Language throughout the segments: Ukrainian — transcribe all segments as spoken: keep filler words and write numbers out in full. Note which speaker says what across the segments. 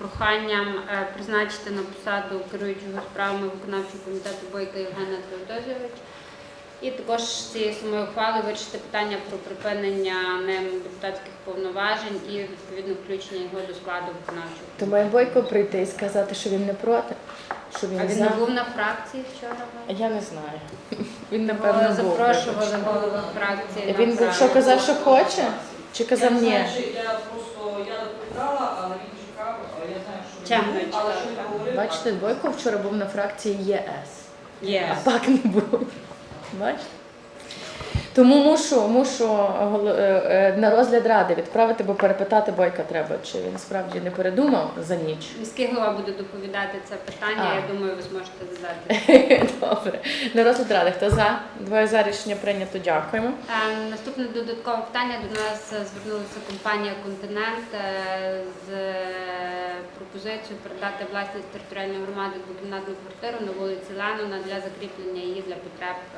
Speaker 1: проханням призначити на посаду керуючого справами виконавчого комітету Бойка Євгена Теодозійовича. І також з цієї самої ухвали вирішити питання про припинення ним депутатських повноважень і відповідно включення його до складу виконавчого.
Speaker 2: То має Бойко прийти і сказати, що він не проти? Що він
Speaker 1: а він
Speaker 2: за...
Speaker 1: не був на фракції вчора?
Speaker 2: Я не знаю. Він, напевно, був.
Speaker 1: Запрошували голову фракції.
Speaker 2: Він був, що казав, що хоче? Чи казав ні?
Speaker 3: Я просто, я доповідала, але він чекав, я знаю, що
Speaker 1: Чим
Speaker 3: він
Speaker 1: ви
Speaker 3: був, але що він говорив.
Speaker 2: Бачите, Бойко вчора був на фракції ЄС.
Speaker 1: Є.
Speaker 2: А пак не був. Бачите? Тому мушу, мушу на розгляд ради відправити, бо перепитати Бойка треба, чи він справді не передумав за ніч.
Speaker 1: Міський голова буде доповідати це питання,
Speaker 2: А.
Speaker 1: я думаю, ви зможете задати.
Speaker 2: Добре. На розгляд ради. Хто за? Двоє за, рішення прийнято. Дякуємо.
Speaker 1: Е, Наступне додаткове питання. До нас звернулася компанія «Континент» е, з пропозицією передати власність територіальної громади двокімнатну квартиру на вулиці Ленона для закріплення її для потреб е,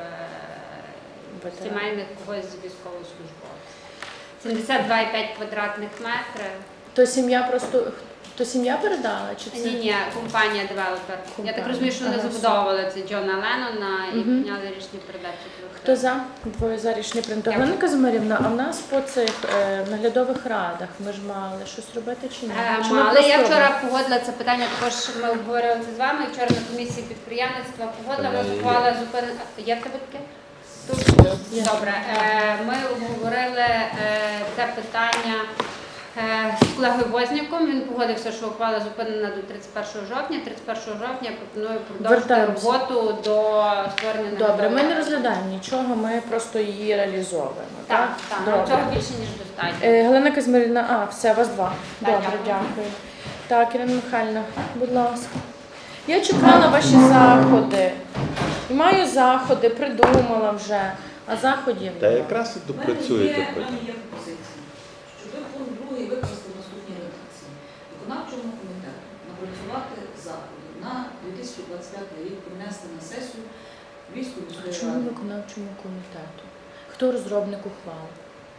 Speaker 1: сімейних когось з військовослужбовців. сімдесят два і п'ять квадратних метрів.
Speaker 2: То сім'я просто, то сім'я передала? Чи це?
Speaker 1: Ні, ні, компанія девелопер. Я
Speaker 2: Компанія.
Speaker 1: так розумію, що вони
Speaker 2: Ага,
Speaker 1: забудовували це Джона Леннона і
Speaker 2: Мгм.
Speaker 1: прийняли рішення передачі.
Speaker 2: Хто за? Двоє за, рішення прийнято.
Speaker 1: Дякую.
Speaker 2: Галина Казимирівна, а в нас по цих е, наглядових радах ми ж мали щось робити чи ні?
Speaker 1: Е,
Speaker 2: Чи ми
Speaker 1: Але
Speaker 2: просто
Speaker 1: я
Speaker 2: робимо?
Speaker 1: вчора погодила це питання, також ми обговорювали це з вами. Вчора на комісії підприємництва погодила, ми ухвала зупинити. Є в тебе таке? Тут? Добре. Е, Ми обговорили е, це питання е, з колегою Возняком. Він погодився, що ухвала зупинена до тридцять першого жовтня. тридцять першого жовтня я пропоную продовжити
Speaker 2: Вертаємося.
Speaker 1: роботу до створення
Speaker 2: Добре, ми не
Speaker 1: наглядової.
Speaker 2: розглядаємо нічого, ми просто її реалізовуємо.
Speaker 1: Так, так, нам
Speaker 2: Добре.
Speaker 1: цього більше, ніж достатньо.
Speaker 2: Е, Галина Казимирівна, а, все, вас два.
Speaker 1: Так,
Speaker 2: Добре,
Speaker 1: дякую.
Speaker 2: дякую. Так, Ірина Михайлівна, будь ласка. Я чекала ваші заходи. І маю заходи, придумала вже, а заходів
Speaker 4: Та
Speaker 2: нема.
Speaker 4: якраз і
Speaker 3: У мене
Speaker 4: допрацюєте
Speaker 3: є- У
Speaker 4: потім.
Speaker 3: мене є пропозиція, щоб ви пункт другий викласти в наступній редакції. Виконавчому комітету напрацювати заходи на дві тисячі двадцять п'ятий рік, принести на сесію Львівської міської
Speaker 2: Чому
Speaker 3: ради.
Speaker 2: виконавчому комітету? Хто розробник ухвал?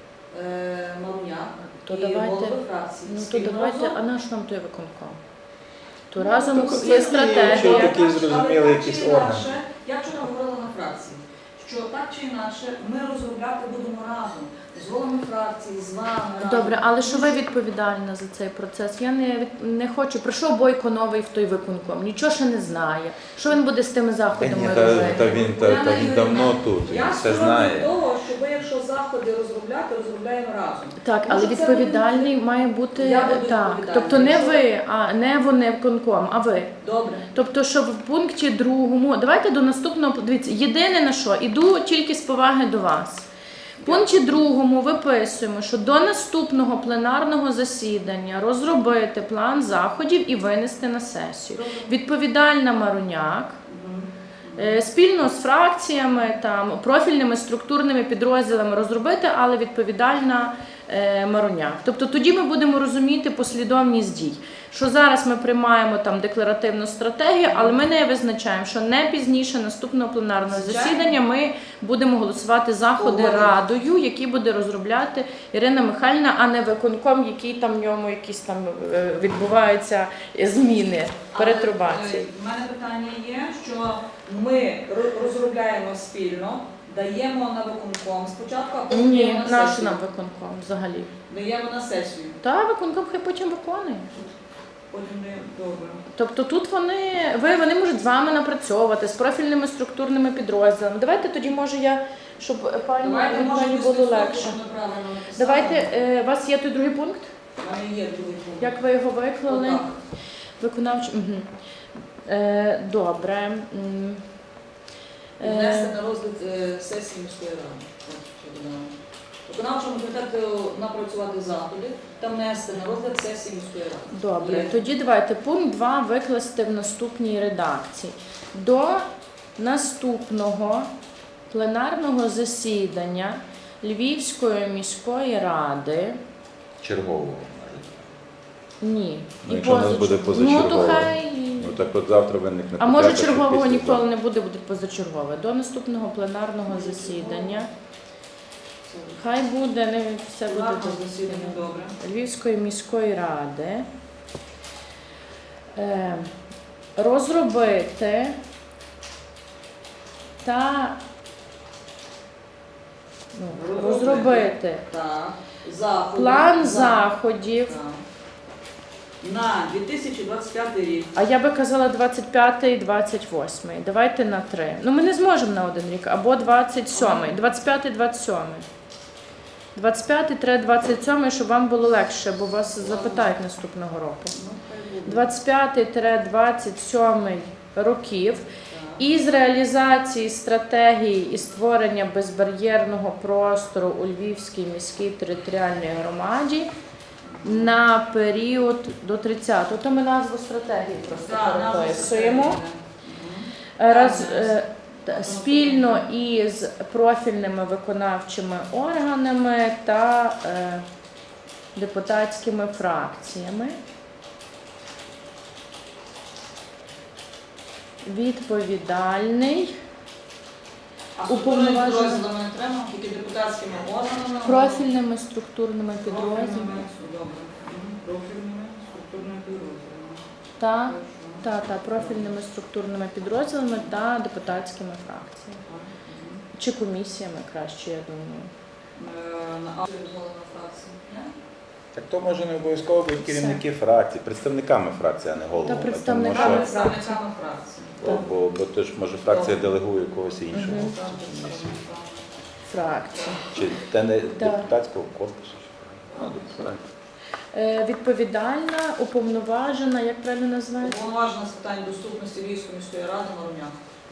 Speaker 3: Е, Маруняк
Speaker 2: То
Speaker 3: і
Speaker 2: давайте-
Speaker 3: голови фракції.
Speaker 2: Ну то
Speaker 3: спільно
Speaker 2: давайте,
Speaker 3: разом.
Speaker 2: а наш нам той виконком? То
Speaker 4: Ну,
Speaker 2: разом
Speaker 4: то
Speaker 2: є
Speaker 4: є
Speaker 2: стратегія.
Speaker 4: Що такі
Speaker 3: Але
Speaker 4: зрозуміли
Speaker 3: так
Speaker 4: якісь
Speaker 3: чи
Speaker 4: органи?
Speaker 3: інакше, я вчора говорила на фракції, що так чи інакше ми розробляти будемо разом, з головами фракції, з вами разом.
Speaker 2: Добре, але що ви відповідальна за цей процес? Я не, від- не хочу. Прийшов Бойко новий в той виконком, нічого ще не знає. Що він буде з тими
Speaker 4: Та
Speaker 2: заходами
Speaker 4: ні, та,
Speaker 2: робити?
Speaker 4: та він та, та він давно тут, він
Speaker 3: Я
Speaker 4: все
Speaker 3: сторонник
Speaker 4: знає.
Speaker 3: того, що ви, якщо заходи розробляти, розробляємо разом.
Speaker 2: Так, але
Speaker 3: Може, це
Speaker 2: відповідальний
Speaker 3: буде-
Speaker 2: має бути
Speaker 3: Я буду
Speaker 2: так.
Speaker 3: відповідальна.
Speaker 2: Тобто не
Speaker 3: Якщо-
Speaker 2: ви, а не вони виконком, а ви.
Speaker 3: Добре.
Speaker 2: Тобто, що в пункті другому, давайте до наступного, дивіться, єдине на що, іду тільки з поваги до вас. В пункті другому виписуємо, що до наступного пленарного засідання розробити план заходів і винести на сесію.
Speaker 3: Добре.
Speaker 2: Відповідальна Маруняк,
Speaker 3: Мгм.
Speaker 2: е, спільно з фракціями, там, профільними структурними підрозділами розробити, але відповідальна е, Маруняк. Тобто тоді ми будемо розуміти послідовність дій. Що зараз ми приймаємо там декларативну стратегію, але ми не визначаємо, що не пізніше наступного пленарного
Speaker 3: Звичайно.
Speaker 2: засідання ми будемо голосувати заходи
Speaker 3: Погоджуюсь.
Speaker 2: радою, які буде розробляти Ірина Михайлівна, а не виконком, який там в ньому якісь там е, відбуваються зміни, перетрубації.
Speaker 3: У мене питання є, що ми ро- розробляємо спільно, даємо на виконком спочатку, а потім
Speaker 2: Ні,
Speaker 3: даємо на
Speaker 2: наш
Speaker 3: сесію.
Speaker 2: нам виконком взагалі.
Speaker 3: Даємо на сесію.
Speaker 2: Та виконком хай потім виконує.
Speaker 3: Потім даємо. Добре.
Speaker 2: Тобто тут вони, ви, вони можуть з вами напрацьовувати з профільними структурними підрозділами. Давайте тоді, може, я, щоб пані,
Speaker 3: Давайте, може,
Speaker 2: пані
Speaker 3: ви
Speaker 2: було
Speaker 3: список,
Speaker 2: легше.
Speaker 3: що ми правильно написали.
Speaker 2: Давайте, е, у вас є той другий пункт?
Speaker 3: У мене є другий пункт.
Speaker 2: Як ви його виклали?
Speaker 3: Отак.
Speaker 2: Виконавчий. Угу. Е, добре. М.
Speaker 3: Внести
Speaker 2: Е,
Speaker 3: на розгляд е, сесії міської ради. От, що додала. Виконавчому комітету напрацювати заходи та внести на розгляд сесії міської ради.
Speaker 2: Добре,
Speaker 3: Є.
Speaker 2: тоді давайте пункт два викласти в наступній редакції. До наступного пленарного засідання Львівської міської ради.
Speaker 4: Чергового.
Speaker 2: Ні.
Speaker 4: Ну, якщо у нас буде
Speaker 2: позачергового.
Speaker 4: позачергове.
Speaker 2: Ну, то хай...
Speaker 4: Ну так от завтра виникне
Speaker 2: А може
Speaker 4: потреба, що
Speaker 2: чергового
Speaker 4: після
Speaker 2: ніколи
Speaker 4: того.
Speaker 2: не буде, буде позачергове. До наступного пленарного засідання. Хай буде, не все буде
Speaker 3: Пленарного
Speaker 2: до
Speaker 3: засідання, добре.
Speaker 2: Львівської міської ради Е, розробити та ну, розробити
Speaker 3: Так. Заходи.
Speaker 2: план
Speaker 3: За-
Speaker 2: заходів.
Speaker 3: Так. На дві тисячі двадцять п'ятий рік.
Speaker 2: А я би казала двадцять п'ятий двадцять восьмий. Давайте на три. Ну ми не зможемо на один рік. Або двадцять сьомий. двадцять п'ятий двадцять сьомий. двадцять п'ятий двадцять сьомий, щоб вам було легше, бо вас запитають наступного року.
Speaker 3: Ну, хай буде.
Speaker 2: двадцять п'ятий двадцять сьомий років.
Speaker 3: Так.
Speaker 2: Із реалізації стратегії і створення безбар'єрного простору у Львівській міській територіальній громаді на період до тридцятого. То ми назву стратегії просто
Speaker 3: Так, назва
Speaker 2: переписуємо.
Speaker 3: стратегії,
Speaker 2: Раз,
Speaker 3: Так,
Speaker 2: е, та- спільно із профільними виконавчими органами та е, депутатськими фракціями. Відповідальний
Speaker 3: А
Speaker 2: Уповноважена-
Speaker 3: структурними підрозділами не треба, тільки депутатськими органами.
Speaker 2: профільними структурними підрозділами
Speaker 3: Профільними, добре. Мгм. Профільними структурними підрозділами.
Speaker 2: та,
Speaker 3: Хорошо.
Speaker 2: та, та профільними структурними підрозділами та депутатськими фракціями.
Speaker 3: Мгм.
Speaker 2: Чи комісіями краще, я думаю.
Speaker 3: Е, На авторизована фракція. Не?
Speaker 4: Так то може не обов'язково бути керівники фракцій, представниками фракції, а не головами.
Speaker 2: Та представниками
Speaker 4: Тому що-
Speaker 2: фракції.
Speaker 3: Представниками фракції.
Speaker 4: Бо, бо, бо то ж може фракція делегує когось іншого.
Speaker 2: Мгм.
Speaker 4: в цю комісію.
Speaker 2: Фракції.
Speaker 4: Чи те не
Speaker 2: Так.
Speaker 4: депутатського корпусу? чи- Ну, депутат.
Speaker 2: Е, відповідальна, уповноважена, як правильно називається?
Speaker 3: Уповноважена з питань доступності Львівської міської ради Маруняк.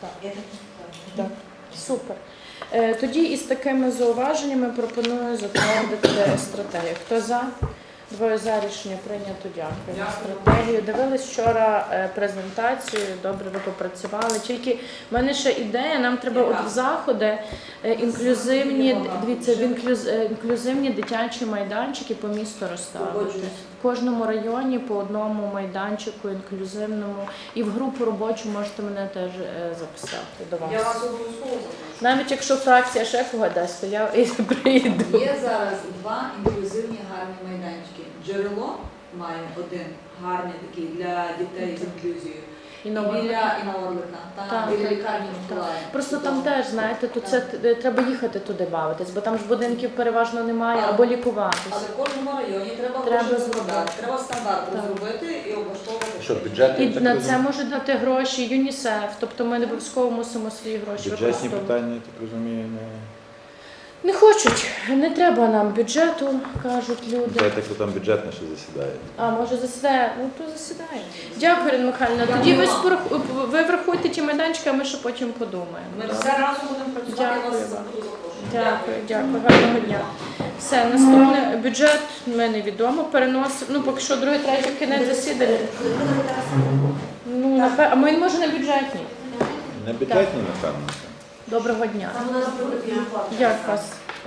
Speaker 2: Так. Супер. Е, Тоді із такими зауваженнями пропоную затвердити стратегію. Хто за? Двоє за, рішення прийнято. Дякую.
Speaker 3: Дякую.
Speaker 2: Стратегію. Дивились вчора е, презентацію, добре ви попрацювали. Тільки в мене ще ідея, нам треба
Speaker 3: Яка?
Speaker 2: от в заходи е, інклюзивні, дивіться, в інклюз- е, інклюзивні дитячі майданчики по місту розставити.
Speaker 3: Погоджуюсь.
Speaker 2: В кожному районі по одному майданчику інклюзивному. І в групу робочу можете мене теж е, записати до вас.
Speaker 3: Я вас обов'язково запрошую.
Speaker 2: Навіть якщо фракція ще кого дасть, то я і прийду.
Speaker 3: Є зараз два інклюзивні гарні майданчики. Джерело має один гарний такий для дітей з інклюзією.
Speaker 2: І
Speaker 3: І
Speaker 2: на
Speaker 3: біля
Speaker 2: Орлика.
Speaker 3: і на Орлика,
Speaker 2: Так,
Speaker 3: та, біля
Speaker 2: так,
Speaker 3: лікарні
Speaker 2: так.
Speaker 3: Миколая.
Speaker 2: Просто там
Speaker 3: Чудово.
Speaker 2: теж, знаєте, тут це т- треба їхати туди бавитись, бо там ж будинків переважно немає,
Speaker 3: Але-
Speaker 2: або
Speaker 3: Але
Speaker 2: лікуватись.
Speaker 3: в кожному районі треба,
Speaker 2: Треба
Speaker 3: гроші
Speaker 2: зробити.
Speaker 3: закладати, треба стандарт
Speaker 2: Так.
Speaker 3: розробити і облаштовувати.
Speaker 4: Що, бюджет?
Speaker 2: І
Speaker 4: Я так
Speaker 2: на
Speaker 4: розумію.
Speaker 2: це можуть дати гроші ЮНІСЕФ, тобто ми не обов'язково мусимо свої гроші
Speaker 4: Бюджетні
Speaker 2: використовувати.
Speaker 4: питання, я так розумію, не...
Speaker 2: Не хочуть, не треба нам бюджету, кажуть люди.
Speaker 4: Я так там бюджетне ще засідає.
Speaker 2: А, може засідає? Ну, то засідає. Дякую, Ірина Михайлівна. Тоді ви,
Speaker 3: Дякую.
Speaker 2: спорах- ви врахуйте ті майданчики, а ми ще потім подумаємо.
Speaker 3: Ми
Speaker 2: Добре?
Speaker 3: все разом будемо працювати, я
Speaker 2: Дякую
Speaker 3: вас
Speaker 2: вам.
Speaker 3: буду запрошувати.
Speaker 2: Дякую, дякую, гарного дня. Все, наступне бюджет ми невідомо. Переносимо, ну поки що другий, третій кінець засідання. Ну, напевно, а ми може на бюджетній.
Speaker 4: Не бюджетні, напевно.
Speaker 2: Доброго дня. Як вас?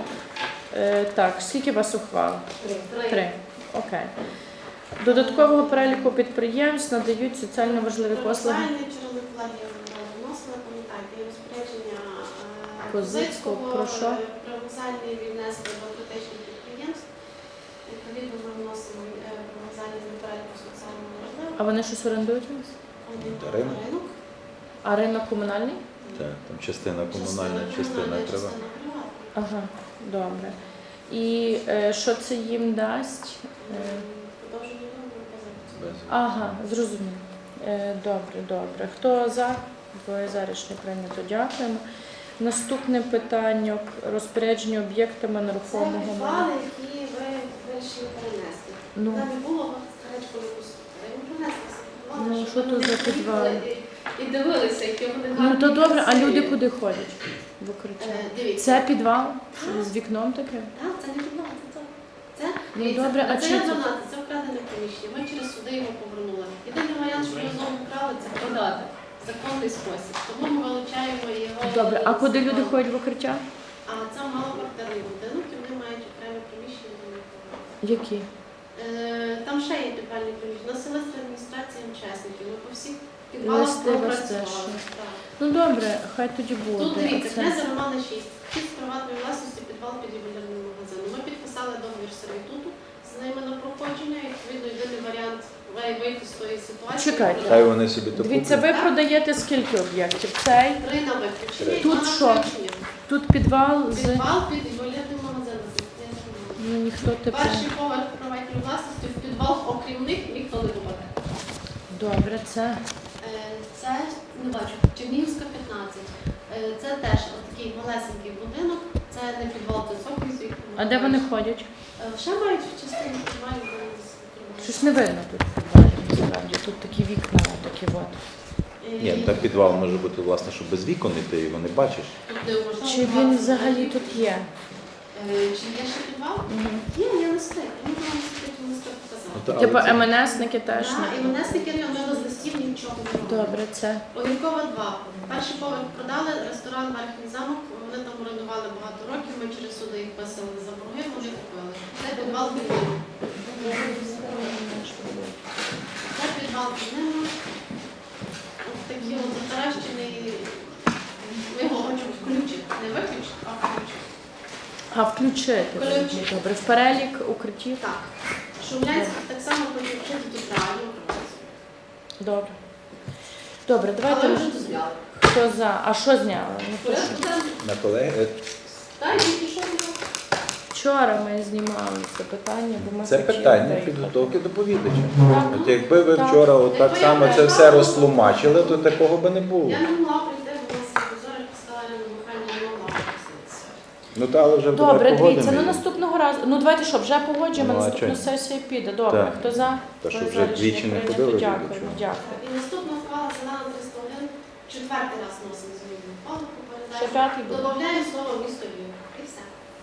Speaker 2: Е, так, скільки у вас ухвал? Три. Окей. Додаткового переліку підприємств надають соціально важливі послуги.
Speaker 5: Соціальні джерели вкладів вносили, пам'ятаєте, і розпорядження е,
Speaker 2: Козицького,
Speaker 5: Козицького,
Speaker 2: про що?
Speaker 5: е, привокзальні віднесли до критичних підприємств. Відповідно, ми вносимо е, привокзальні до переліку соціально важливих.
Speaker 2: А вони щось орендують у нас?
Speaker 5: Вони
Speaker 4: Ринок.
Speaker 5: ринок.
Speaker 2: А ринок комунальний?
Speaker 4: Так, там частина комунальна, частина
Speaker 5: комунальна,
Speaker 4: треба.
Speaker 5: частина приватна.
Speaker 2: Ага, добре. І е, що це їм дасть? Е,
Speaker 5: Продовження договору позиції.
Speaker 4: Без.
Speaker 2: Ага, зрозуміло. Е, Добре, добре. Хто за? Двоє за, рішення прийнято. Дякуємо. Наступне питання – розпорядження об'єктами
Speaker 5: Це
Speaker 2: нерухомого
Speaker 5: підвали,
Speaker 2: майна.
Speaker 5: які ви вирішили перенести.
Speaker 2: Ну,
Speaker 5: Там не було старечко не пустити. Ми принесли ці підвали,
Speaker 2: Ну,
Speaker 5: щоб
Speaker 2: що то
Speaker 5: вони
Speaker 2: за
Speaker 5: приїхали
Speaker 2: підвали?
Speaker 5: і- І дивилися, які вони
Speaker 2: ну
Speaker 5: гарні.
Speaker 2: то добре, а
Speaker 5: красиві.
Speaker 2: люди куди ходять? В укриття.
Speaker 5: Е, Дивіться.
Speaker 2: Це підвал? З вікном таке?
Speaker 5: Так, це не підвал, це то. Це,
Speaker 2: Ну,
Speaker 5: дивіться,
Speaker 2: добре, а
Speaker 5: це
Speaker 2: чи
Speaker 5: є
Speaker 2: це-
Speaker 5: дванадцять, це вкрадене приміщення. Ми через суди його повернули. Єдиний варіант, що ми знову вкрали, це продати. В законний спосіб. Тому ми вилучаємо його.
Speaker 2: Добре, а куди
Speaker 5: з
Speaker 2: люди
Speaker 5: закону.
Speaker 2: ходять в укриття?
Speaker 5: А це малоквартирний будинок, і вони мають окреме приміщення до них.
Speaker 2: Які?
Speaker 5: Е, Там ще є підвальні приміщення. Населення адміністрація МЧСників. Ми по всіх підвалах
Speaker 2: Листи вас
Speaker 5: пропрацювали.
Speaker 2: теж.
Speaker 5: Так.
Speaker 2: Ну добре, хай тоді буде.
Speaker 5: Тут дивіться,
Speaker 2: Оце-
Speaker 5: князя Романа шість. Шість приватної власності підвал під ювелірним магазином. Ми підписали договір сервітуту з ними на проходження. І, відповідно, єдиний варіант вий- вийти з тої ситуації.
Speaker 2: Чекайте.
Speaker 4: Хай вони собі то
Speaker 2: Дивіться,
Speaker 4: куплять.
Speaker 2: ви продаєте скільки об'єктів? Цей,
Speaker 5: Три на виключення і
Speaker 2: Тут
Speaker 5: два на
Speaker 2: що?
Speaker 5: включення.
Speaker 2: тут підвал з...
Speaker 5: Підвал під інвалідним магазином.
Speaker 2: Ну, ніхто типу...
Speaker 5: Перший поверх приватної власності, в підвал, окрім них, ніхто не попаде.
Speaker 2: Добре, це...
Speaker 5: Е, Це, не бачу, Чернігівська, п'ятнадцять. Е, Це теж такий малесенький будинок, це не підвал, це соколь з вікнами.
Speaker 2: А де вони ходять?
Speaker 5: Е, Ще мають частину підвалів, де вони десь тримають.
Speaker 2: Щось не видно тут в підвалі, насправді. Тут такі вікна, такі от.
Speaker 5: Е,
Speaker 4: Ні, та підвал може бути, власне, що без вікон, і ти його не бачиш.
Speaker 5: тут не вважаю,
Speaker 2: Чи він
Speaker 5: двадцять
Speaker 2: взагалі
Speaker 5: метрів.
Speaker 2: тут є?
Speaker 5: Е, Чи є ще підвал?
Speaker 2: Угу.
Speaker 5: Ні, я не встиг. Я не вам секретні листи показала.
Speaker 4: Ну, та, але
Speaker 2: Типу
Speaker 4: це-
Speaker 2: МНСники теж
Speaker 5: Да, і
Speaker 2: не...
Speaker 5: мене стикери, ми з листів нічого не робили.
Speaker 2: Добре, це...
Speaker 5: Огіркова два. Перший поверх продали, ресторан Верхній замок, вони там орендували багато років, ми через суди їх писали за борги, вони купили. Це підвал під ними. Це підвал під ними. Ось такі от затаращені, ми його хочемо включити. Не виключити, а включити.
Speaker 2: А включити.
Speaker 5: Включити.
Speaker 2: Добре, в перелік укриттів?
Speaker 5: Так. Шумлянський так само хоче вчити тут реально укриватися.
Speaker 2: Добре. Добре, давайте...
Speaker 5: Але
Speaker 2: ми-
Speaker 5: вже дозволяли.
Speaker 2: Хто за? А що зняли? Ну, то що?
Speaker 4: На колеги
Speaker 5: Так, і пішов.
Speaker 2: Вчора ми знімали це питання, бо ми
Speaker 4: це
Speaker 2: хотіли
Speaker 4: питання
Speaker 2: виїхати.
Speaker 4: підготовки доповідача.
Speaker 2: Так.
Speaker 4: От якби ви
Speaker 2: Так.
Speaker 4: вчора от так само це все розтлумачили, то такого би не було.
Speaker 5: Я не могла прийти, бо нас зорі поставили на бухання, не могла присутися.
Speaker 4: Ну та але вже
Speaker 2: Добре,
Speaker 4: давай
Speaker 2: дивіться, ну
Speaker 4: погодимо.
Speaker 2: наступного разу. Ну давайте що, вже погоджуємо,
Speaker 4: Ну, а
Speaker 2: наступна
Speaker 4: чого?
Speaker 2: сесія піде. Добре,
Speaker 4: Так.
Speaker 2: хто за?
Speaker 4: Та що
Speaker 2: Хто
Speaker 4: вже
Speaker 2: за? Рішення
Speaker 4: двічі не
Speaker 2: прийнято.
Speaker 4: ходили,
Speaker 2: Дякуємо,
Speaker 4: чого?
Speaker 2: дякую.
Speaker 5: І наступна ухвала зелена триста один, четвертий раз носимо зміну ухвалу по
Speaker 2: Ще
Speaker 5: передачі.
Speaker 2: п'ятий буде.
Speaker 5: Добавляю слово місто Львів. І все.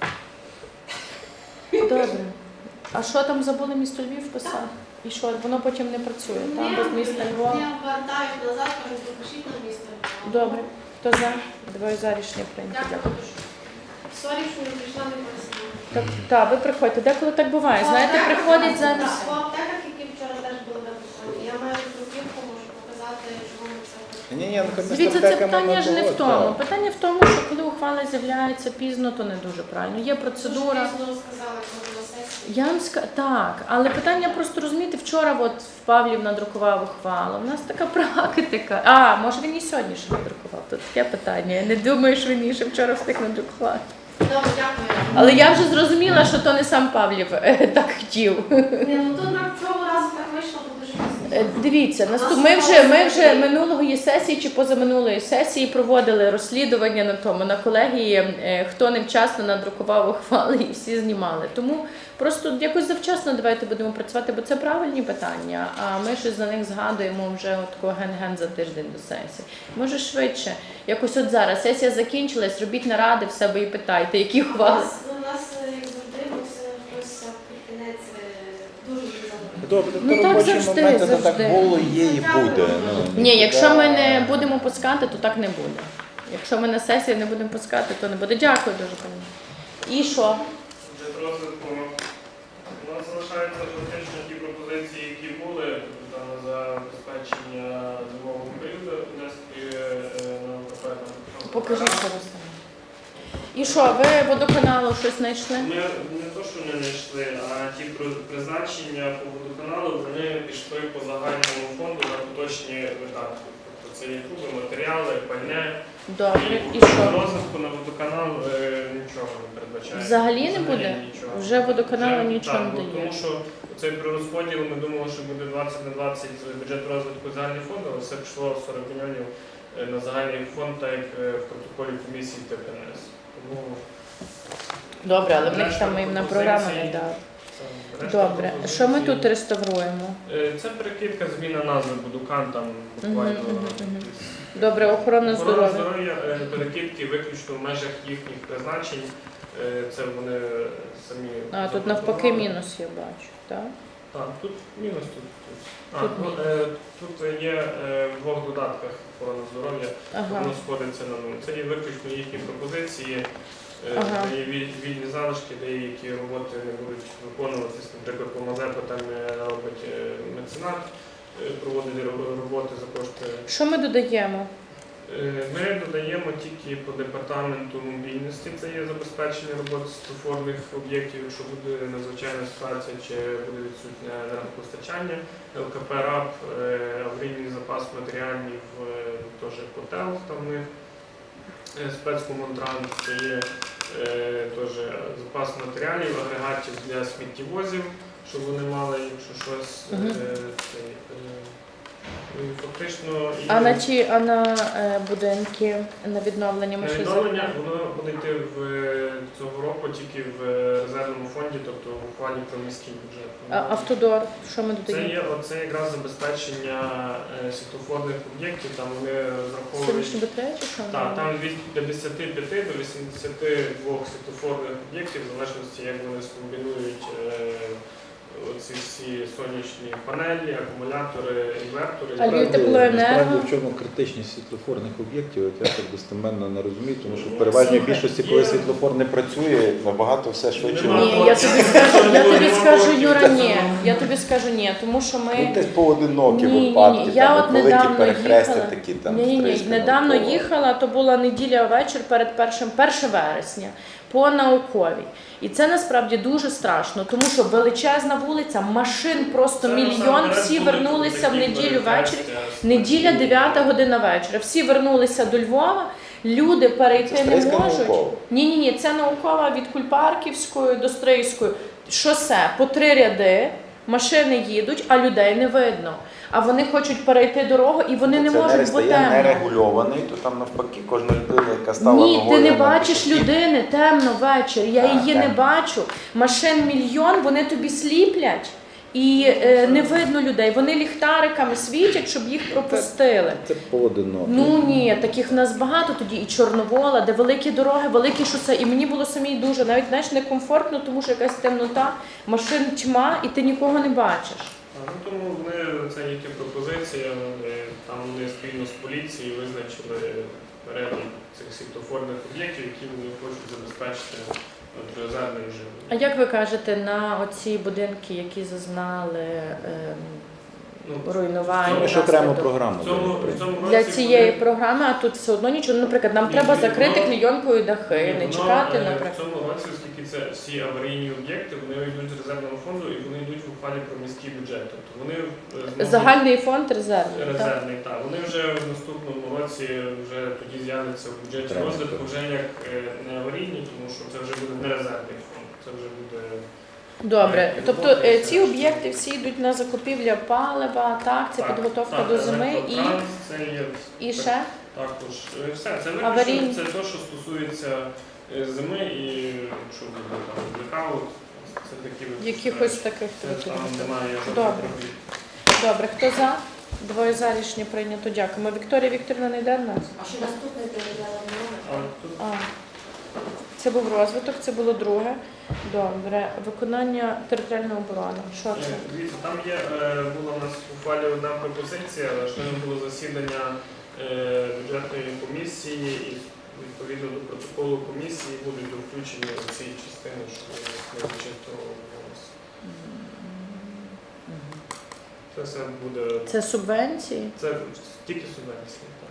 Speaker 2: Добре. А що там забули місто Львів писати? І що, воно потім не працює? Там без міста Львова?
Speaker 5: Я вертають назад, кажу, пропишіть на місто Львова.
Speaker 2: Добре. Хто за? Двоє за, рішення прийнято. Дякую.
Speaker 5: Дякую. Сорі, що не прийшла, не пояснила.
Speaker 2: Так, так, ви приходьте. Деколи так буває. Знаєте, приходять зараз.
Speaker 5: Так, по аптеках, які вчора теж були виписані. Я маю друківку, можу показати, чому ми це робимо.
Speaker 4: Ні, ні, ну, хай ми з
Speaker 2: Дивіться, це
Speaker 4: аптеками
Speaker 2: питання ж не в тому.
Speaker 4: погодимо.
Speaker 2: Питання в тому, що коли ухвала з'являється пізно, то не дуже правильно. Є процедура.
Speaker 5: Дуже пізно сказали, коли на сесії.
Speaker 2: Я вам ска... так, але питання просто розумієте, вчора от Павлів надрукував ухвалу. У нас така практика. А, може він і сьогодні ще надрукував? Тут таке питання. Я не думаю, що він і ще вчора встиг надрукувати.
Speaker 5: Добре, дякую.
Speaker 2: Але я вже зрозуміла, що то не сам Павлів е, так хотів.
Speaker 5: Ні, ну то на цього разу так вийшло, бо дуже
Speaker 2: Е,
Speaker 5: пізно.
Speaker 2: Дивіться, наступ... ми вже ми вже минулої сесії чи позаминулої сесії проводили розслідування на тому на колегії, е, хто невчасно надрукував ухвали і всі знімали. Тому просто якось завчасно давайте будемо працювати, бо це правильні питання. А ми щось за них згадуємо вже от такого ген-ген за тиждень до сесії. Може швидше. Якось от зараз сесія закінчилась, робіть наради в себе і питайте, які
Speaker 5: У
Speaker 2: ухвали.
Speaker 5: нас, у нас, е, як завжди, мусить хтось під кінець е, дуже дуже
Speaker 4: Добре,
Speaker 2: Ну,
Speaker 4: то
Speaker 2: так
Speaker 4: робочі
Speaker 2: завжди,
Speaker 4: моменти, то так
Speaker 2: завжди.
Speaker 4: було, є і буде. Ну,
Speaker 2: Ні, якщо ми не
Speaker 4: нікуди.
Speaker 2: будемо пускати, то так не буде. Якщо ми на сесії не будемо пускати, то не буде. Дякую дуже, пані. І що?
Speaker 6: Бюджет розвитку. У нас залишаються фактично ті пропозиції, які були там, за забезпечення зимового періоду, внески на ОКП. там,
Speaker 2: Покажіть, що ви там. І що, ви водоканалу щось знайшли?
Speaker 6: Ми не то, що не знайшли, а ті при- призначення по водоканалу, вони пішли по загальному фонду на поточні видатки. Тобто це є труби, матеріали, пальне.
Speaker 2: Добре. І
Speaker 6: по
Speaker 2: що?
Speaker 6: розвитку на водоканал е, нічого не передбачає.
Speaker 2: Взагалі не буде?
Speaker 6: нічого.
Speaker 2: Вже водоканалу
Speaker 6: Вже,
Speaker 2: нічого
Speaker 6: так,
Speaker 2: не
Speaker 6: бо
Speaker 2: дає.
Speaker 6: Тому що цей перерозподіл, ми думали, що буде двадцять на двадцять бюджет розвитку загальний фонд, але все пішло сорок мільйонів е, на загальний фонд, так як е, в протоколі комісії Т П Н С. Тому
Speaker 2: Добре, але в них
Speaker 6: Решта
Speaker 2: там їм на
Speaker 6: пропозицій.
Speaker 2: програму не дали.
Speaker 6: це решта
Speaker 2: Добре. Що ми
Speaker 6: пропозицій.
Speaker 2: тут реставруємо?
Speaker 6: Е, Це перекидка, зміна назви Будукан, там буквально.
Speaker 2: Мгм, мгм, мгм. Добре, охорона
Speaker 6: Охорона
Speaker 2: здоров'я.
Speaker 6: здоров'я, е, перекидки виключно в межах їхніх призначень. Е, Це вони самі.
Speaker 2: А, тут навпаки
Speaker 6: запропонували.
Speaker 2: мінус я бачу, так?
Speaker 6: Так, тут мінус тут. тут. А,
Speaker 2: Тут
Speaker 6: ну,
Speaker 2: мінус.
Speaker 6: е, тут є е, в двох додатках охорони здоров'я,
Speaker 2: Ага.
Speaker 6: воно сходиться на нуль. Це є виключно їхні пропозиції, е,
Speaker 2: Ага.
Speaker 6: де є віль- вільні залишки, деякі роботи не будуть виконуватись. Наприклад, по Мазепу там е, робить е, меценат, е, проводить ро- роботи за кошти.
Speaker 2: Що ми додаємо?
Speaker 6: Е, Ми додаємо тільки по департаменту мобільності, це є забезпечення роботи світлофорних об'єктів, якщо буде надзвичайна ситуація чи буде відсутнє енергопостачання. ЛКП РАП, е, аварійний запас матеріалів, е, теж котел там в них. Е, Спецкомунтранс це є е, теж запас матеріалів, агрегатів для сміттєвозів, щоб вони мали, якщо щось,
Speaker 2: Мгм.
Speaker 6: е, це, е, і фактично і
Speaker 2: А на ті, а на е, будинки, на відновлення ми
Speaker 6: на
Speaker 2: ще
Speaker 6: відновлення
Speaker 2: за-
Speaker 6: воно буде йти в е, цього року тільки в е, резервному фонді, тобто в ухвалі про міський бюджет.
Speaker 2: А, автодор, що ми
Speaker 6: Це
Speaker 2: додаємо?
Speaker 6: є оце якраз забезпечення е, світлофорних об'єктів, там вони розраховують.
Speaker 2: Сонячні батареї чи що?
Speaker 6: Так, там від п'ятдесят п'ять до вісімдесят два світлофорних об'єктів, в залежності як вони скомбінують е, оці всі сонячні панелі, акумулятори, інвертори.
Speaker 2: А
Speaker 4: Насправді-
Speaker 2: теплоенерго?
Speaker 4: Насправді в чому критичність світлофорних об'єктів, от я так достеменно не розумію, тому що в переважній
Speaker 2: Слухай,
Speaker 4: більшості, коли
Speaker 6: є-
Speaker 4: світлофор не працює, набагато все швидше.
Speaker 6: Нема.
Speaker 2: Ні, я тобі скажу, я тобі скажу, Юра, ні. Я тобі скажу ні, тому що
Speaker 4: Ну,
Speaker 2: ми.
Speaker 4: десь поодинокі
Speaker 2: Ні, ні, ні.
Speaker 4: випадки,
Speaker 2: Я
Speaker 4: там,
Speaker 2: от
Speaker 4: от великі
Speaker 2: недавно
Speaker 4: перехрестя
Speaker 2: їхала.
Speaker 4: такі там.
Speaker 2: Ні, ні, ні.
Speaker 4: стрижки
Speaker 2: Недавно
Speaker 4: навколо.
Speaker 2: їхала, то була неділя вечір перед першим, перше вересня по науковій. І це насправді дуже страшно, тому що величезна вулиця, машин просто
Speaker 6: Це
Speaker 2: мільйон,
Speaker 6: насамперед
Speaker 2: всі
Speaker 6: будуть
Speaker 2: вернулися в
Speaker 6: такі
Speaker 2: неділю
Speaker 6: перехрестя,
Speaker 2: ввечері. Неділя, дев'ята година вечора. Всі вернулися до Львова, люди перейти
Speaker 4: Це
Speaker 2: не
Speaker 4: Стрийська
Speaker 2: можуть.
Speaker 4: наукова.
Speaker 2: Ні, ні, ні, це наукова від Кульпарківської до Стрийської. Шосе по три ряди, машини їдуть, а людей не видно. А вони хочуть перейти дорогу і вони не
Speaker 4: Це
Speaker 2: можуть, бо
Speaker 4: стає
Speaker 2: темно.
Speaker 4: нерегульований, то там навпаки кожна людина, яка стала
Speaker 2: Ні,
Speaker 4: ногою
Speaker 2: ти не
Speaker 4: на
Speaker 2: бачиш
Speaker 4: пішохід.
Speaker 2: людини, темно ввечері. Я
Speaker 4: А,
Speaker 2: її не
Speaker 4: темно.
Speaker 2: бачу. Машин мільйон, вони тобі сліплять. І е, не видно людей. Вони ліхтариками світять, щоб їх пропустили.
Speaker 4: Це поодинокі.
Speaker 2: Ну ні, таких в нас багато тоді. І Чорновола, де великі дороги, великі шосе. І мені було самій дуже, навіть знаєш, некомфортно, тому що якась темнота, машин тьма, і ти нікого не бачиш.
Speaker 6: А, ну, тому вони, це їхня пропозиція, е, там вони спільно з поліцією визначили перелік цих світлофорних об'єктів, які вони хочуть забезпечити от, резервним режимом.
Speaker 2: А як ви кажете на оці будинки, які зазнали ем,
Speaker 6: Ну,
Speaker 2: руйнування?
Speaker 4: Ми ж окрему
Speaker 2: внаслідок-
Speaker 4: програму.
Speaker 6: В цьому,
Speaker 4: даємо,
Speaker 6: в цьому році
Speaker 2: Для цієї
Speaker 6: вони-
Speaker 2: програми, а тут все одно нічого. Наприклад, нам
Speaker 6: Ні,
Speaker 2: треба
Speaker 6: ні,
Speaker 2: закрити
Speaker 6: воно-
Speaker 2: клейонкою дахи,
Speaker 6: Ні,
Speaker 2: не
Speaker 6: воно,
Speaker 2: чекати,
Speaker 6: е,
Speaker 2: наприклад.
Speaker 6: В цьому році, оскільки це всі аварійні об'єкти, вони йдуть з резервного фонду і вони йдуть в ухвалі про міський бюджет. Тобто вони е, зможуть-
Speaker 2: Загальний фонд резервний. так?
Speaker 6: резервний, так. Вони вже в наступному році вже тоді з'являться в бюджеті
Speaker 4: Треба.
Speaker 6: розвитку вже як е, не аварійні, тому що це вже буде не резервний фонд. Це вже буде
Speaker 2: Добре,
Speaker 6: і
Speaker 2: тобто
Speaker 6: роботи,
Speaker 2: е,
Speaker 6: і
Speaker 2: ці
Speaker 6: все.
Speaker 2: об'єкти всі йдуть на закупівля палива, так, це
Speaker 6: Так,
Speaker 2: підготовка
Speaker 6: так,
Speaker 2: до зими і,
Speaker 6: електротранс, це є
Speaker 2: і ще.
Speaker 6: також е, все. Це
Speaker 2: Аварійні.
Speaker 6: виключно це те, що стосується е, зими і якщо буде там блекаут, це такі от,
Speaker 2: Якихось
Speaker 6: е,
Speaker 2: таких
Speaker 6: це
Speaker 2: таких.
Speaker 6: там немає жодних
Speaker 2: Добре.
Speaker 6: проблем.
Speaker 2: Добре, хто за? Двоє за рішення прийнято. Дякуємо. Вікторія Вікторівна не йде в нас?
Speaker 5: А що наступний передала
Speaker 6: А тут
Speaker 2: А, це був розвиток, це було друге. Добре. Виконання територіальної оборони. Що
Speaker 6: Е,
Speaker 2: це?
Speaker 6: Дивіться, там є, е, була у нас у файлі одна пропозиція, щойно було засідання е, бюджетної комісії і відповідно до протоколу комісії будуть включені у ці частини, що не зачитував голос. Це все буде,
Speaker 2: Це субвенції?
Speaker 6: це тільки субвенції. Так.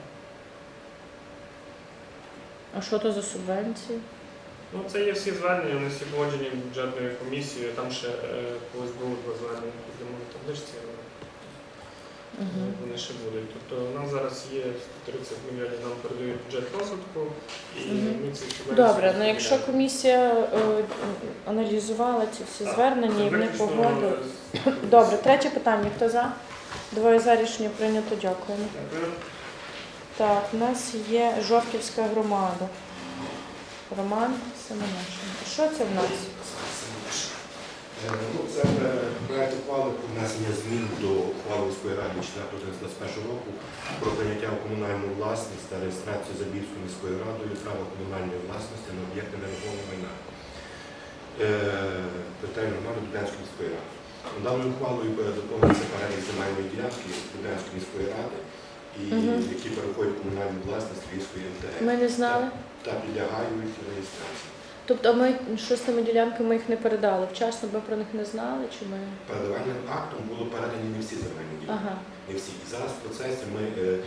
Speaker 2: А що то за субвенції?
Speaker 6: Ну, це є всі звернення, вони всі погоджені бюджетною комісією, там ще е, колись було два звернення по зимовій табличці, але
Speaker 2: Угу.
Speaker 6: вони ще будуть. Тобто у нас зараз є сто тридцять мільйонів, нам передають бюджет розвитку, і
Speaker 2: Мгм.
Speaker 6: ми ці субвенції
Speaker 2: Добре, ну якщо
Speaker 6: розподіляємо.
Speaker 2: комісія е, аналізувала ці всі
Speaker 6: Так,
Speaker 2: звернення і
Speaker 6: це
Speaker 2: вони
Speaker 6: виключно,
Speaker 2: погодили.
Speaker 6: е,
Speaker 2: Добре, третє питання. Хто за? Двоє за рішення прийнято. Дякуємо.
Speaker 6: Дякую.
Speaker 2: Так, у нас є Жовківська громада. Роман Семенишин. Що це в нас?
Speaker 7: Е, Ну, це е, проект ухвали про внесення змін до ухвали міської ради четвертого двадцять першого року про прийняття у комунальну власність та реєстрацію Забірською міською радою права комунальної власності на об'єкти нерухомого майна. Е, Територіальної громади Дубенської міської ради. Даною ухвалою доповнюється перелік земельної ділянки Дубенської міської ради, і
Speaker 2: Мгм.
Speaker 7: які переходять в комунальну власність Львівської ем те е
Speaker 2: Ми не знали.
Speaker 7: та підлягають реєстрації.
Speaker 2: Тобто ми що з тими ділянками ми їх не передали? Вчасно ми про них не знали? Чи ми?
Speaker 7: Передавальним актом було передані не всі земельні ділянки.
Speaker 2: Ага.
Speaker 7: Не всі. І зараз в процесі ми е,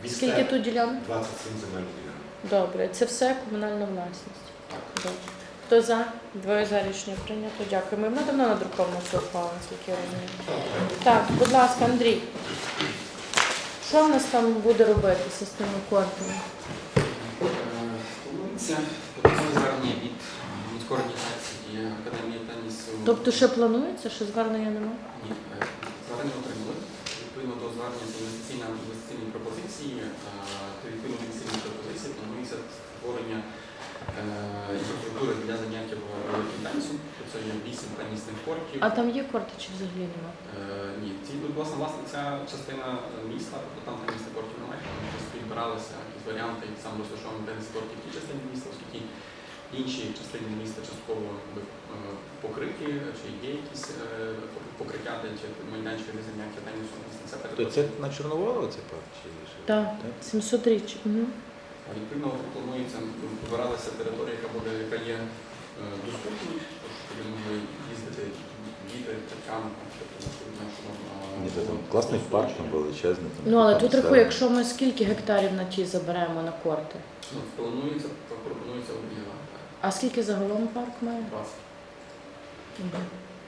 Speaker 2: Скільки тут ділянок?
Speaker 7: двадцять сім земельних ділянок.
Speaker 2: Добре, це все комунальна власність.
Speaker 7: Так.
Speaker 2: Добре. Хто за? Двоє за рішення прийнято. Дякую. Ми давно надруковано це ухвалу, наскільки я розумію. Так, будь ласка, Андрій. Що в нас там буде робитися з тими кортами?
Speaker 8: Планується подання звернення від міської організації Академії тенісу.
Speaker 2: Тобто ще планується, що звернення немає?
Speaker 8: Ні, е, звернення отримали. Відповідно до звернення з інвестиційної інвестиційної пропозиції, е, то відповідно до інвестиційної пропозиції планується створення е, інфраструктури для заняття великим тенісом. Це є вісім тенісних кортів.
Speaker 2: А там є корти чи взагалі немає?
Speaker 8: Е, ні, ці, власне, власне, ця частина міста, тобто там тенісних кортів немає, там просто підбиралися якісь варіанти, і сам розташований теніс кортів в тій частині міста, оскільки інші частини міста частково якби, е, покриті, чи є якісь е, покриття, де чи майданчики для заняття тенісом. Це
Speaker 4: То це на Чорноволу це парк? Чи що?
Speaker 2: Так, сімсот річ. Угу.
Speaker 8: А відповідно планується, вибиралася територія, яка буде, яка є е, доступною, щоб могли їздити діти, батькам, тобто на
Speaker 4: Ні, це там класний парк, там величезний. Там
Speaker 2: Ну, але
Speaker 4: там
Speaker 2: тут
Speaker 4: все.
Speaker 2: рахуй, якщо ми скільки гектарів на ті заберемо на корти?
Speaker 8: Ну, планується, пропонується об'єднати.
Speaker 2: А скільки загалом парк має?
Speaker 8: двадцять.
Speaker 2: Мгм.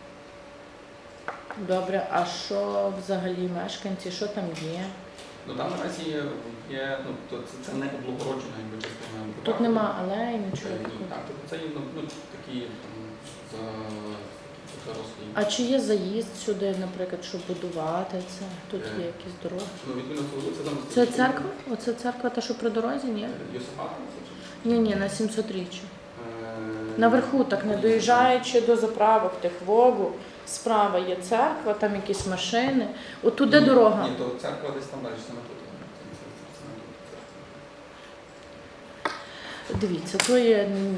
Speaker 2: Добре, а що взагалі мешканці, що там є?
Speaker 8: Ну там наразі є, є ну, то це, це не облагороджена якби частина.
Speaker 2: Тут
Speaker 8: парку.
Speaker 2: нема алей,
Speaker 8: Е,
Speaker 2: нічого
Speaker 8: Ні,
Speaker 2: такого.
Speaker 8: так, тобто це є ну, ну, такі там, за, зарослі.
Speaker 2: А чи є заїзд сюди, наприклад, щоб будувати це? Тут
Speaker 8: Е.
Speaker 2: є якісь дороги?
Speaker 8: Ну, відповідно, це вулиця там.
Speaker 2: Це церква? Оце церква, та що при дорозі, ні?
Speaker 8: Йосифата? це чи-
Speaker 2: Ні, ні, на сімсот річчю.
Speaker 8: Е,
Speaker 2: Наверху, так не доїжджаючи до заправок тих Вогу, справа є церква, там якісь машини. От туди
Speaker 8: ні,
Speaker 2: дорога.
Speaker 8: Ні, то церква десь там далі, саме тут. Це- це- це саме тут церква.
Speaker 2: Дивіться, то є. м.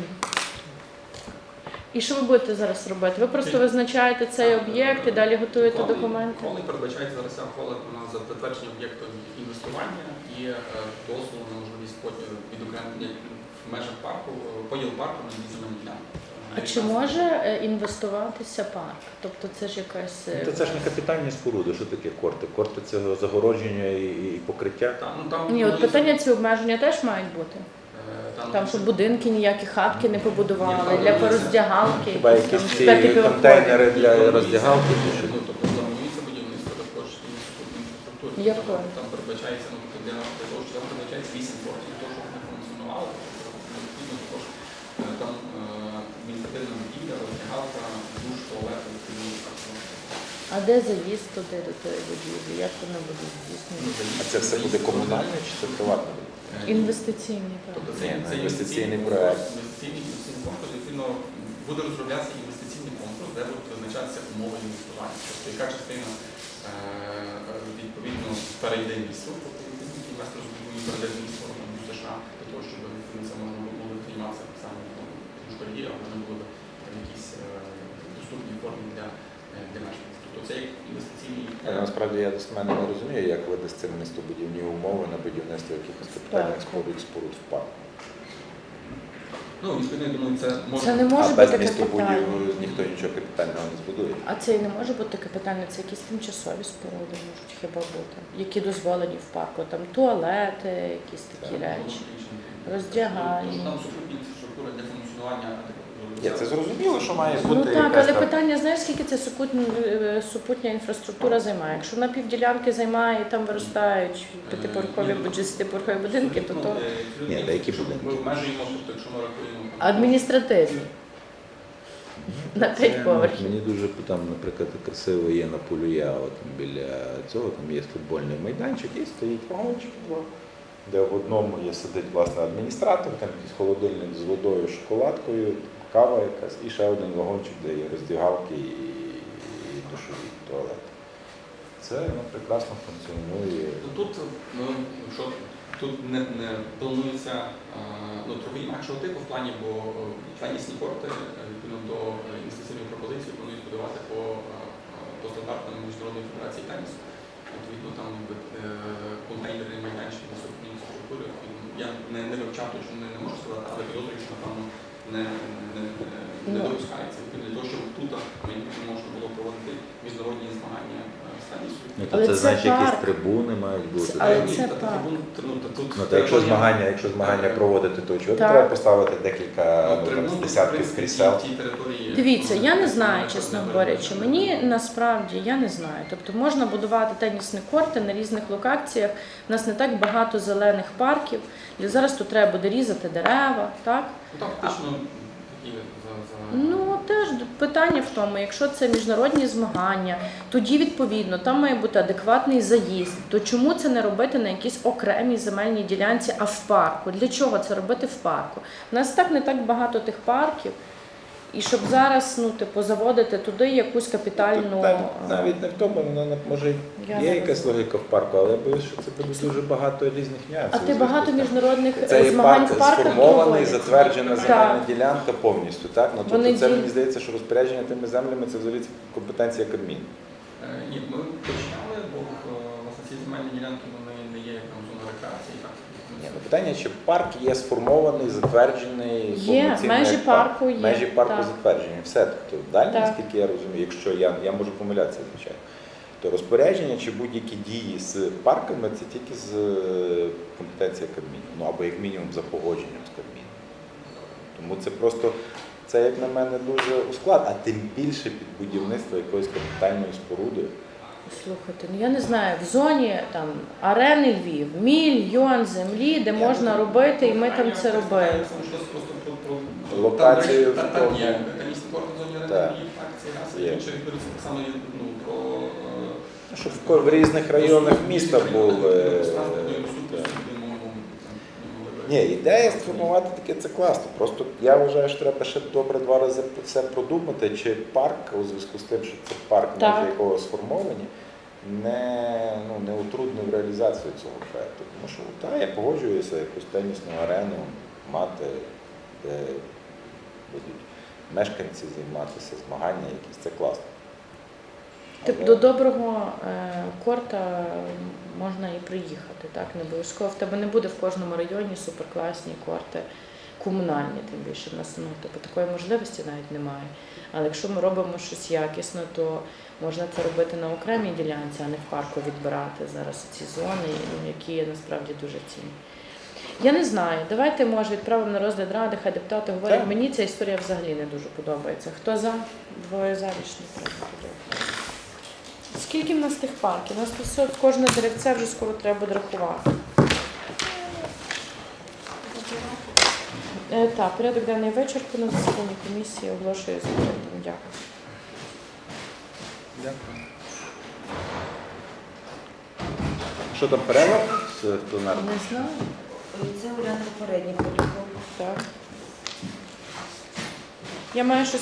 Speaker 2: І що ви будете зараз робити? Ви просто визначаєте цей об'єкт і далі готуєте
Speaker 8: Ухвали-
Speaker 2: документи?
Speaker 8: Ухвали передбачається зараз ця ухвала на затвердження об'єкту інвестування і е, дозволу на можливість потім відокремлення в межах парку, е, поділ парку на дві земельні ділянки.
Speaker 2: А чи може е, інвестуватися парк? Тобто це ж якась. е,
Speaker 4: Ну, то це ж не капітальні споруди, що таке корти? Корти це загородження і, і покриття.
Speaker 8: Та, ну, там,
Speaker 2: Ні, от
Speaker 8: ну,
Speaker 2: питання ці обмеження теж мають бути.
Speaker 8: е,
Speaker 2: Там, щоб будинки ніякі хатки не побудували,
Speaker 8: Ні,
Speaker 2: для
Speaker 8: там
Speaker 2: пороздягалки.
Speaker 4: Хіба
Speaker 2: якісь там
Speaker 4: якісь ці
Speaker 2: п'ятиповерхові.
Speaker 4: контейнери для роздягалки? чи що?
Speaker 8: Ну, тобто планується будівництво також інфраструктури.
Speaker 2: Якої?
Speaker 8: Там передбачається, ну, тобто, для для того, що там передбачається вісім кортів, для того, щоб вони функціонували, тобто, необхідно також е, там е, адміністративна будівля, роздягалка, душ, туалет, відповідно, так само.
Speaker 2: А де заїзд туди до тої будівлі? Як воно буде
Speaker 8: Ну,
Speaker 2: здійснено?
Speaker 4: А це все буде комунальне чи це приватне?
Speaker 8: Е,
Speaker 2: Інвестиційний
Speaker 8: Тобто
Speaker 2: проект.
Speaker 8: це,
Speaker 4: Ні,
Speaker 8: це
Speaker 4: інвестиційний проект.
Speaker 8: Інвестиційний, інвестиційний конкурс, відповідно, буде розроблятися інвестиційний конкурс, де будуть визначатися умови інвестування. Тобто, яка частина е, відповідно перейде місту, тобто відповідно, інвестор збудує перейде місто в США, для того, щоб відповідно, це можна було б займатися саме в школі, а вони були б в якійсь е, доступній формі для, е, для мешканців. Тобто це як інвестиційний
Speaker 4: Але насправді я достеменно не розумію, як видасться містобудівні умови на будівництво якихось капітальних
Speaker 2: Так.
Speaker 4: споруд споруд в парку.
Speaker 8: Ну, відповідно, я думаю, це може...
Speaker 2: Це не може
Speaker 4: А без
Speaker 2: бути
Speaker 4: містобудів
Speaker 2: капітальний.
Speaker 4: ніхто нічого капітального не збудує.
Speaker 2: А це і не може бути капітальне, це якісь тимчасові споруди можуть хіба бути, які дозволені в парку. Там туалети, якісь такі речі. роздягальні.
Speaker 8: Там супутні інфраструктура для функціонування.
Speaker 4: Ні, це зрозуміло, що має бути
Speaker 2: Ну так,
Speaker 4: якась
Speaker 2: але
Speaker 4: там...
Speaker 2: питання, знаєш, скільки це супутня, е, супутня інфраструктура займає? Якщо на півділянки займає і там виростають п'ятиповерхові або десятиповерхові будинки, то то
Speaker 4: Ні, та які будинки?
Speaker 8: Ми обмежуємо, тобто, якщо ми рахуємо...
Speaker 2: адміністративні. На
Speaker 4: Це,
Speaker 2: п'ять поверхів.
Speaker 4: Мені дуже там, наприклад, красиво є на Полюя, от там біля цього, там є футбольний майданчик і стоїть вагончик два, де в одному є сидить власне адміністратор, там якийсь холодильник з водою, шоколадкою, кава якась, і ще один вагончик, де є роздягалки і, і душові туалети. Це ну, прекрасно функціонує.
Speaker 8: Ну, Тут, ну, що, тут не, не планується а, ну, трохи інакшого типу в плані, бо тенісні корти, відповідно до інвестиційної пропозиції, планують будувати по, по стандартам Міжнародної федерації тенісу. Відповідно, там якби, контейнерні майданчики на супутній інфраструктури. Я не, не вивчав, точно не, не можу сказати, але підозрюю, що, напевно, не, не, не, не допускається. Відповідно, для того, щоб тут можна було проводити міжнародні змагання в
Speaker 4: Ну, то
Speaker 2: Але
Speaker 4: це
Speaker 2: це
Speaker 4: значить, якісь
Speaker 2: парк.
Speaker 4: трибуни мають бути.
Speaker 2: Але
Speaker 8: Ні,
Speaker 2: це
Speaker 8: та
Speaker 2: так.
Speaker 8: трибун- ну, та тут
Speaker 4: Ну, то якщо
Speaker 8: територія-
Speaker 4: змагання, якщо змагання проводити, то чого
Speaker 2: Так.
Speaker 4: треба поставити декілька
Speaker 8: Ну,
Speaker 4: ну,
Speaker 8: трибун,
Speaker 4: там,
Speaker 8: в
Speaker 4: десятків
Speaker 8: принципі,
Speaker 4: крісел?
Speaker 8: ті території,
Speaker 2: Дивіться,
Speaker 8: ну,
Speaker 2: я не
Speaker 8: це
Speaker 2: знаю,
Speaker 8: не
Speaker 2: чесно
Speaker 8: не
Speaker 2: говорячи.
Speaker 8: передбачено.
Speaker 2: Мені насправді я не знаю. Тобто можна будувати тенісні корти на різних локаціях. У нас не так багато зелених парків. І зараз тут треба буде різати дерева, так?
Speaker 8: Ну, там фактично такі за, за...
Speaker 2: Ну теж питання в тому, якщо це міжнародні змагання, тоді відповідно там має бути адекватний заїзд. То чому це не робити на якійсь окремій земельній ділянці, а в парку? Для чого це робити в парку? У нас так не так багато тих парків. І щоб зараз, ну, типу, заводити туди якусь капітальну.
Speaker 4: Тут навіть, навіть не в тому, воно не- може
Speaker 2: Я
Speaker 4: є
Speaker 2: не
Speaker 4: якась логіка в парку, але я боюсь, що це буде дуже багато різних нюансів.
Speaker 2: А ти багато міжнародних
Speaker 4: Це є
Speaker 2: змагань
Speaker 4: парк
Speaker 2: в парках
Speaker 4: сформований,
Speaker 2: проводять.
Speaker 4: затверджена
Speaker 2: Так.
Speaker 4: земельна ділянка повністю. Так? Ну,
Speaker 2: Вони
Speaker 4: тобто це
Speaker 2: діють.
Speaker 4: мені здається, що розпорядження тими землями це взагалі компетенція Кабміну.
Speaker 8: Е, Ні, ми починали, бо е, власне ці земельні ділянки вони не є як там зона рекреації. Так,
Speaker 4: Ні, ну, питання, чи парк є сформований, затверджений,
Speaker 2: Є,
Speaker 4: повноцінний
Speaker 2: межі
Speaker 4: як парк.
Speaker 2: парку є,
Speaker 4: Межі парку
Speaker 2: так.
Speaker 4: затверджені. Все. Тобто, далі,
Speaker 2: Так.
Speaker 4: наскільки я розумію, якщо я, я можу помилятися, звичайно, то розпорядження чи будь-які дії з парками це тільки з е, компетенції Кабміну. Ну або як мінімум за погодженням з Кабміном. Тому це просто, це як на мене дуже усклад, а тим більше під будівництво якоїсь капітальної споруди.
Speaker 2: Слухайте, ну я не знаю, в зоні там арени Львів, мільйон землі, де можна робити, і ми там це робили.
Speaker 4: Локацію
Speaker 8: Так,
Speaker 4: в
Speaker 8: так,
Speaker 4: тому.
Speaker 8: є. Тенісні корти в зоні
Speaker 4: Так.
Speaker 8: арени, так, це раз.
Speaker 4: Є.
Speaker 8: І інше відбудеться так само, ну, про... е,
Speaker 4: Щоб в ко- в різних районах міста були.
Speaker 8: Транспортної
Speaker 4: е,
Speaker 8: доступності,
Speaker 4: так.
Speaker 8: де мову, там, ну,
Speaker 4: Ні, ідея сформувати таке це класно. Просто я вважаю, що треба ще добре два рази все продумати, чи парк у зв'язку з тим, що це парк,
Speaker 2: Так.
Speaker 4: межі якого сформовані, не, ну, не утруднив реалізацію цього проєкту. Тому що та, я погоджуюся якусь тенісну арену мати, де будуть мешканці займатися, змагання якісь, це класно.
Speaker 2: Типу, до доброго е, корта можна і приїхати, так, не обов'язково. В тебе не буде в кожному районі суперкласні корти, комунальні, тим більше. В нас, ну, типу, такої можливості навіть немає. Але якщо ми робимо щось якісно, то можна це робити на окремій ділянці, а не в парку відбирати зараз ці зони, ну, які насправді дуже цінні. Я не знаю, давайте, може, відправимо на розгляд ради, хай депутати говорять.
Speaker 4: Так.
Speaker 2: Мені ця історія взагалі не дуже подобається. Хто за? Двоє за, рішення прийнято. Скільки в нас тих парків? У нас тут все, кожне деревце вже скоро треба буде рахувати. Е, так, порядок денний вичерпано, засідання комісії оголошує закритим. Дякую.
Speaker 4: Дякую. Що там перерва з пленарного?
Speaker 2: Не знаю.
Speaker 9: Це варіант попередній протокол.
Speaker 2: Так. Я маю щось